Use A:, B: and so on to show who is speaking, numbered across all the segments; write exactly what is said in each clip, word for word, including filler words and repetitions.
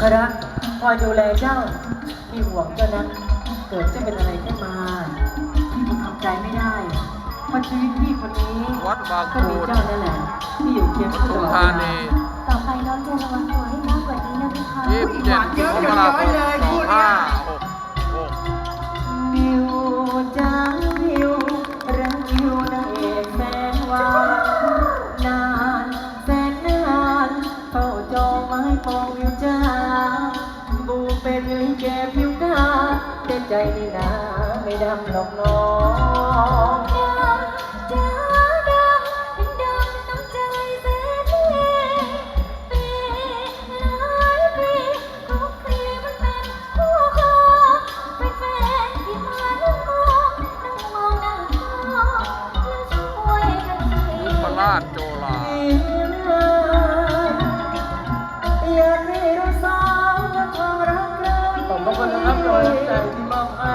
A: รักคอยดูแลเจ้าที่ห่วงเจ้านั้นเกิดจะเป็นอะไรขึ้นมาพี่คงทำใจไม่ได้เพราะชีวิตพี่คนนี้
B: วัดบาง
A: ก็
B: ปู
A: มี
B: น
A: เจ้านั่นแหละที่อยู่เคียงคู่ต
B: สุ
A: ลอด
B: ธา
A: เว
B: นี
A: ลา
C: ต่อไปน้องจะระวังตัวให้มากกว่านี้นะพี่คะ
B: ยี่สิบเจ็ดมกราคมสองห้าหกหก
A: วิวจ้าวิวรักวิวนางเอกแสนหวานนานแสนนานเฝ้าจองไม้ปองวิวจ้าบูเป็นลิเกผิวกาแต่ใจนี่นาไม่ดำหรอกน้อง
C: ดำจ้าดำเป็นดำน้ำใจแสนเลปีหลายปีทุกปีมันเป็นคู่ครองเป็นแฟนที่มานั่งมองนั่งมองนั่งมองแล้วช่วยกันที
B: ยุพราชโจลา
A: อยากให้เราสองทองรักกันขอบคุณนะครับรอยน้ำใจที่มอบให้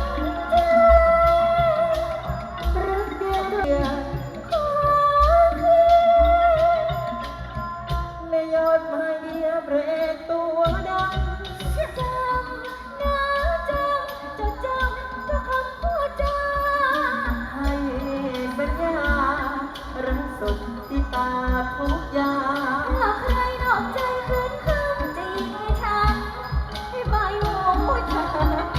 A: รักเดียวเดียวในยอดไม้เดียวเบรกตัวดัง
C: จำนะจำจะจำทุกคำพูดจา
A: ให้สัญญารักสุดที่ตาทุกอย่าง
C: หากใครนอกใจคืนคำจะยิงให้ฉันให้ใบหูเธอ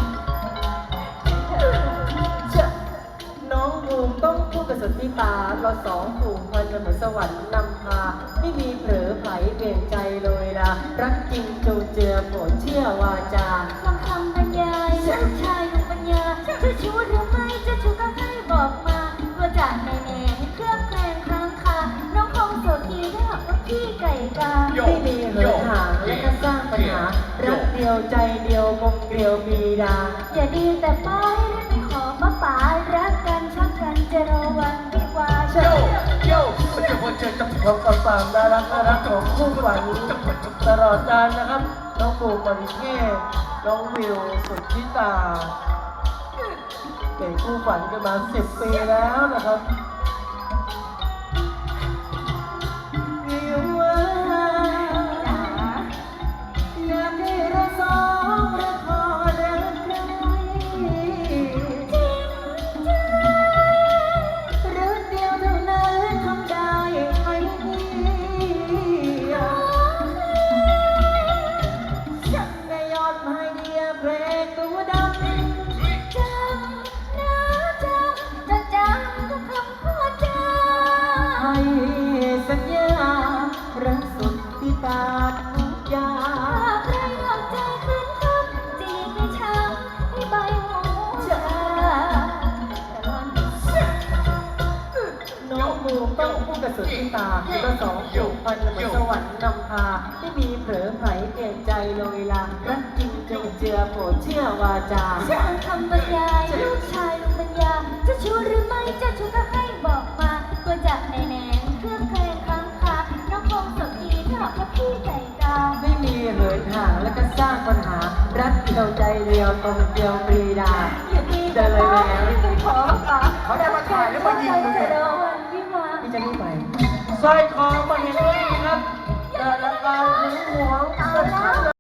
A: เชอะน้องบูมต้องพูดกับสุดที่ตาเราสองผูกพันกันเหมือนสวรรค์นำพาไม่มีเผลอไผเปลี่ยนใจเลยละรักจริงจูเจือโปรดเชื่อวาจา
C: ฟังคำบรรยายลูกชายลูกปัญญาจะชู้หรือไม่จะชู้ก็ให้บอกมาว่าจากในแหน่เครื่องแกล้งค้างคาน้องคงโสดดีถ้าหากว่าพี่ไก่กา
A: ไม่มีเหินห่างและก็สร้างปัญหารักเดียวใจเดียวกลมเกลียวมีดา
C: อย่าดีแต่ป้ายได้ไปขอป้าป๋ารักกันชอบกันจะรอวันวิวาห์
A: โยโย่ของกับฝากน่ารักน่ารักของคู่ฝันตลอดกาลนะครับ น้องปูปริเทศน้องวิวสุดที่ตาเป็นคู่ฝันกันมาสิบปีแล้วนะครับวิวว่าอยากให้เราสองรักพอรักใคร รักเดียวเท่านั้นทำได้ไหมฉันในยอดไม้เดียวเพลงตัวดำ
C: จำนะจำจะจำทุกคำพูดจา
A: ให้สัญญารักสุดที่ตาทุกอย่า
C: หาง กใครนอกใจคืนคำจะยิงให้ช้ำให้ใบหูชา
A: น้องบูมต้องพูดกับสุดที่ตาคือว่าสองผูกพันเหมือนสวรรค์นำพาไม่มีเผลอไผเปลี่ยนใจเลยลารักจริงจงเจือโปรดเชื่อวาจา
C: ฟังคำบรรยายลูกชายลูกปัญญาจะชู้หรือไม่จะชู้ก็ให้บอกมาตัวจากในแหนงเครื่องแกล้งค้างคาน้องคงสดดีถ้าหากว่าพี่ไก่กา
A: ไม่มีเหินห่างและก็สร้างปัญหารักเดียวใจเดียวตรงเดียวปรีดา
C: อย่าดีแต่ป้าไม่เคยขอป้า
A: เขาได้มาถ่ายแล้วมายิงเลย
C: จะรอวันวิวาห์
A: พี่จะรีบไปสร้อยคอมาเห็นไหมครับแต่ละการหึงหวง
C: เอาแล้ว